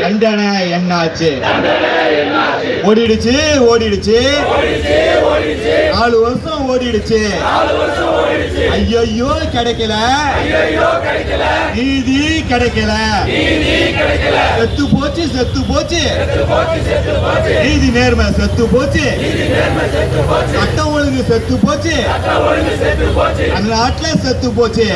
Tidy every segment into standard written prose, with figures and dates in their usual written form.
தண்டனை என்னாச்சு? ஓடிடுச்சு ஓடிடுச்சு 4 வருஷம் ஓடிடுச்சு. ஐயோ கிடைக்கல, நீதி கிடைக்கல, செத்து போச்சு செத்து போச்சு, நீதி நேர்மை செத்து போச்சு, சட்டம் ஒழுங்கு செத்து போச்சு, அந்த நாட்டுல செத்து போச்சு.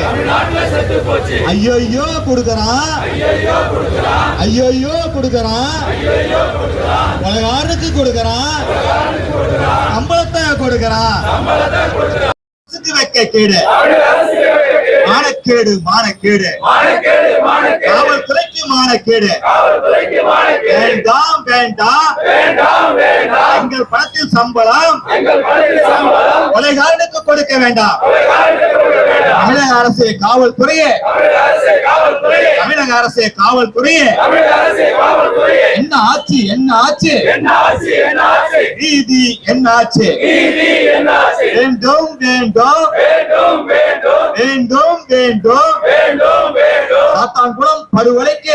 ஐயோ கொடுக்கறான், ஐயோ கொடுக்கறான், உலகாருக்கு கொடுக்கறான், சம்பளத்தை கொடுக்கறான். வைக்க கேடு, மானக்கேடு மானக்கேடு, காவல்துறைக்கு மானக்கேடு. வேண்டாம் வேண்டாம் எங்கள் பணத்தில் சம்பளம் கொலைகாரனுக்கு கொடுக்க வேண்டாம். தமிழக அரசு காவல்துறையே, தமிழக அரசு காவல்துறையே, என்ன ஆச்சு என்ன ஆச்சு? நீதி என்ன ஆச்சு? வேண்டும் வேண்டும் வேண்டும் வேண்டும் சாத்தான்குளம் படுகொலைக்கு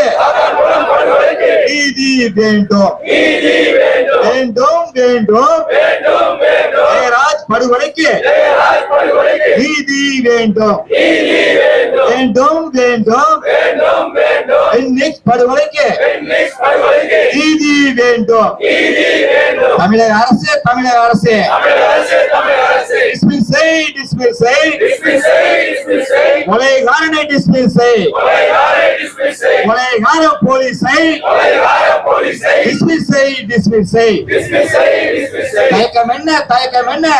நீதி வேண்டும், வேண்டும் வேண்டும் ஜெயராஜ் படுகொலைக்கு நீதி வேண்டும், வேண்டும் வேண்டும் பெண்ணிக்ஸ் படுகொலைக்கு நீதி வேண்டும். தமிழக அரசு தமிழக அரசு டிஸ்மிஸ் செய், டிஸ்மிஸ் செய், கொலைகாரனை டிஸ்மிஸ் செய், கொலைகார போலீஸை டிஸ்மிஸ் செய், டிஸ்மிஸ் செய். தயக்கம் என்ன தயக்கம் என்ன?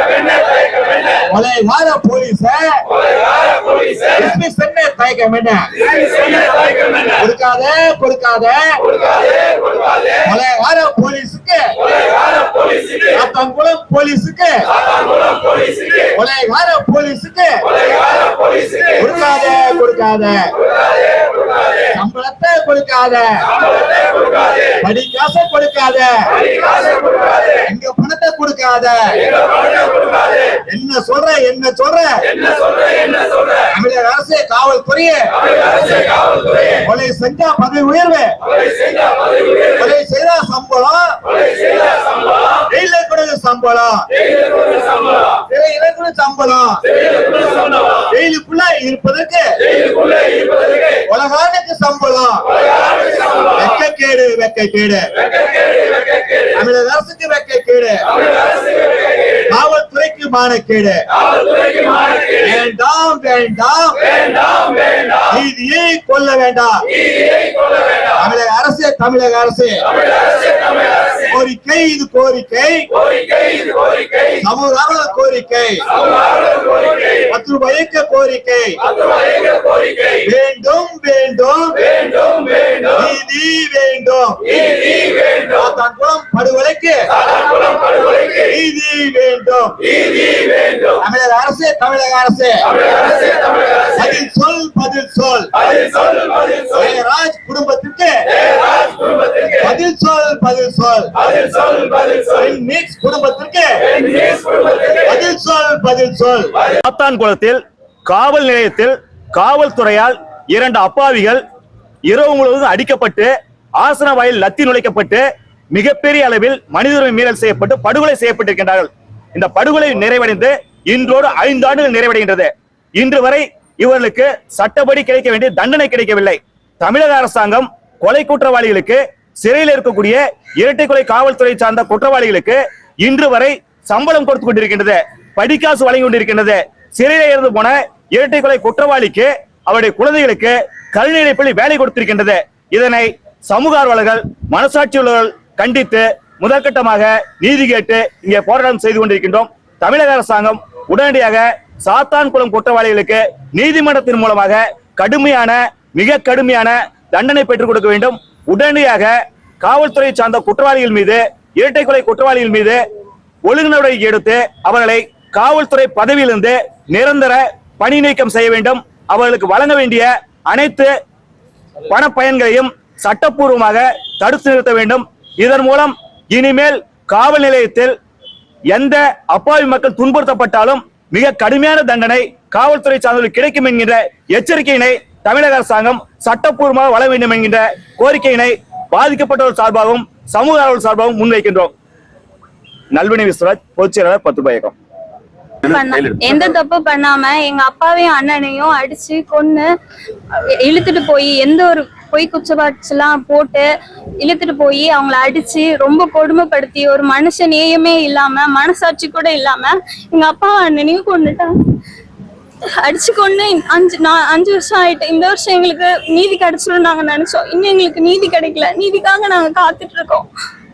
கொலைகார போலீஸை டிஸ்மிஸ் என்ன தயக்கம் என்ன? கொடுக்காத கொடுக்காத கொலைகார போலீஸுக்கு, சாத்தான்குளம் போலீஸுக்கு, கொலைகார போலீஸுக்கு கொடுக்காத கொடுக்காத, சம்பளத்தை கொடுக்காத, படிக்காசை கொடுக்காத, எங்க பணத்தை கொடுக்காத. என்ன சொல்ற என்ன சொல்ற? தமிழக அரசு காவல்துறையே கொலை செஞ்சா பதவி உயர்வு, கொலை செய்தா சம்பளம், ஜெயில கொடுக்க சம்பளம், சிறையில கூட சம்பளம், ஜெயிலுக்குள்ள இருப்பதற்கு உலகானுக்கு சம்பளம். வெக்கக்கேடு வெக்கக்கேடு, தமிழக அரசுக்கு வெக்கக்கேடு, காவல்துறைக்கு மானக்கேடு. வேண்டாம் வேண்டாம் நீதியை கொல்ல வேண்டாம். தமிழக அரசு தமிழக அரசு கோரிக்கை இது கோரிக்கை, சமூக கோரிக்கை, 10 ரூபாய்க்கு கோரிக்கை. வேண்டும் வேண்டும் நீதி வேண்டும், சாத்தான்குளம் படுகொலைக்கு நீதி வேண்டும். தமிழக அரசு தமிழக அரசு பதில் சொல் பதில் சொல், ஜெயராஜ் குடும்பத்திற்கு பதில் சொல் பதில் சொல், பெண்ணிக்ஸ் குடும்பத்திற்கு பதில் சொல் பதில் சொல். சாத்தான்குளத்தில் காவல் நிலையத்தில் காவல்துறையால் 2 அப்பாவிகள் இரவு முழுவதும் அடிக்கப்பட்டு ஆசன வாயில் லத்தி நுழைக்கப்பட்டு மிகப்பெரிய அளவில் மனித உரிமை மீறல் செய்யப்பட்டு படுகொலை செய்யப்பட்டிருக்கின்றார்கள். இந்த படுகொலை நிறைவடைந்து இன்றோடு 5 ஆண்டுகள் நிறைவடைகின்றது. இன்று வரை இவர்களுக்கு சட்டப்படி கிடைக்க வேண்டிய தண்டனை கிடைக்கவில்லை. தமிழக அரசாங்கம் கொலை குற்றவாளிகளுக்கு, சிறையில் இருக்கக்கூடிய இரட்டை கொலை காவல்துறை சார்ந்த குற்றவாளிகளுக்கு இன்று வரை சம்பளம் கொடுத்து கொண்டிருக்கின்றது, படிக்காசு வழங்கி கொண்டிருக்கின்றது. சிறையில் இருந்து போன இரட்டை கொலை குற்றவாளிக்கு அவருடைய குழந்தைகளுக்கு கல்வி பள்ளி வேலை கொடுத்திருக்கின்றது. இதனை சமூக ஆர்வலர்கள், மனசாட்சி உள்ளவர்கள் கண்டித்து முதற்கட்டமாக நீதி கேட்டு இங்கே போராட்டம் செய்து கொண்டிருக்கின்றோம். தமிழக அரசாங்கம் உடனடியாக சாத்தான்குளம் குற்றவாளிகளுக்கு நீதிமன்றத்தின் மூலமாக கடுமையான மிக கடுமையான தண்டனை பெற்றுக் கொடுக்க வேண்டும். உடனடியாக காவல்துறை சார்ந்த குற்றவாளிகள் மீது, இரட்டை கொலை குற்றவாளிகள் மீது ஒழுங்கு நடவடிக்கை எடுத்து அவர்களை காவல்துறை பதவியிலிருந்து நிரந்தர பணி நீக்கம் செய்ய வேண்டும். அவர்களுக்கு வழங்க வேண்டிய அனைத்து பண பயன்களையும் சட்டப்பூர்வமாக தடுத்து நிறுத்த வேண்டும். இதன் மூலம் இனிமேல் காவல் நிலையத்தில் எந்த அப்பாவி மக்கள் துன்புறுத்தப்பட்டாலும் மிக கடுமையான தண்டனை காவல்துறை சார்ந்தவர்களுக்கு கிடைக்கும் என்கின்ற எச்சரிக்கையினை தமிழக அரசாங்கம் சட்டப்பூர்வமாக வழங்க வேண்டும் என்கின்ற கோரிக்கையினை பாதிக்கப்பட்டவர் சார்பாகவும் சமூக ஆர்வலர் சார்பாகவும் முன்வைக்கின்றோம். நல்வினை விஸ்வராஜ், பொதுச் செயலாளர் 10 இயக்கம். எந்த தப்பு பண்ணாம எங்க அப்பாவையும் அண்ணனையும் அடிச்சு கொன்னு இழுத்துட்டு போய் எந்த ஒரு பொய் குற்றச்சாட்டுலாம் போட்டு இழுத்துட்டு போய் அவங்கள அடிச்சு ரொம்ப கொடுமைப்படுத்தி ஒரு மனுஷ நேயமே இல்லாம மனசாட்சி கூட இல்லாம எங்க அப்பா அண்ணனையும் கொண்டுட்டாங்க. அடிச்சு கொண்டு 5 வருஷம் ஆயிட்டு. இந்த வருஷம் எங்களுக்கு நீதி கிடைச்சிடும் நாங்க நினைச்சோம். இன்னும் எங்களுக்கு நீதி கிடைக்கல. நீதிக்காக நாங்க காத்துட்டு இருக்கோம்.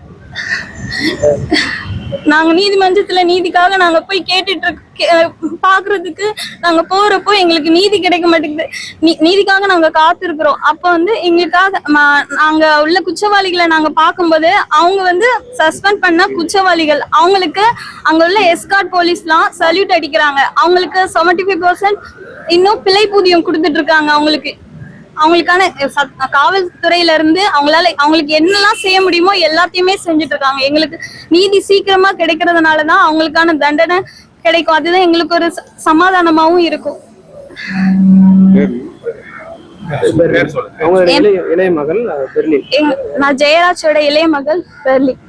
நாங்க நீதிமன்றத்துல நீதிக்காக நாங்க போய் கேட்டுட்டு பாக்குறதுக்கு நாங்க போறப்போ எங்களுக்கு நீதி கிடைக்க மாட்டேங்குது. நீதிக்காக நாங்க காத்திருக்கிறோம். அப்ப எங்களுக்காக நாங்க உள்ள குற்றவாளிகளை நாங்க பார்க்கும்போது அவங்க சஸ்பெண்ட் பண்ண குற்றவாளிகள் அவங்களுக்கு அங்க உள்ள எஸ்கார்ட் போலீஸ்லாம் சல்யூட் அடிக்கிறாங்க. அவங்களுக்கு 75% இன்னும் பிழை ஊதியம் கொடுத்துட்டு இருக்காங்க. அவங்களுக்கான காவல்துறையில இருந்து அவங்களுக்கு என்னெல்லாம் செய்ய முடியுமோ எல்லாத்தையுமே செஞ்சுட்டு இருக்காங்க. எங்களுக்கு நீதி சீக்கிரமா கிடைக்கிறதுனாலதான் அவங்களுக்கான தண்டனை கிடைக்கும். அதுதான் எங்களுக்கு ஒரு சமாதானமாவும் இருக்கும். நான் ஜெயராஜோட இளைய மகள் பெர்லின்.